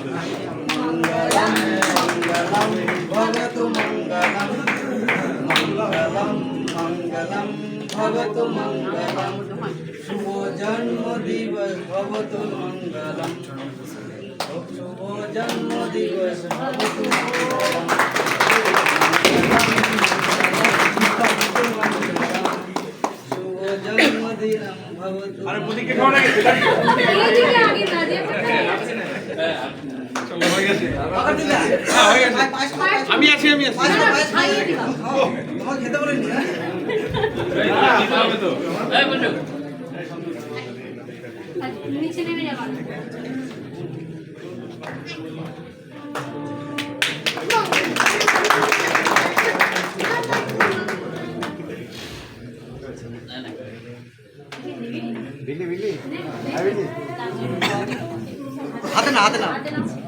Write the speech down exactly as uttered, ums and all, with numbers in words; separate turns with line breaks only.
भवतु मंगलम मंगलम मंगलम भवतु मंगलम शुभ जन्म दिवस भवतु मंगलम शुभ जन्म दिवस भवतु मंगलम शुभ जन्म दिन भवतु। अरे बुद्धि के कौन है? আমি আছি আমি আছি তোমার খেতে বলেনি তো এই বন্ধু নিচে নেমে যাবা বিলি বিলি আই বিলি হাতে না হাতে না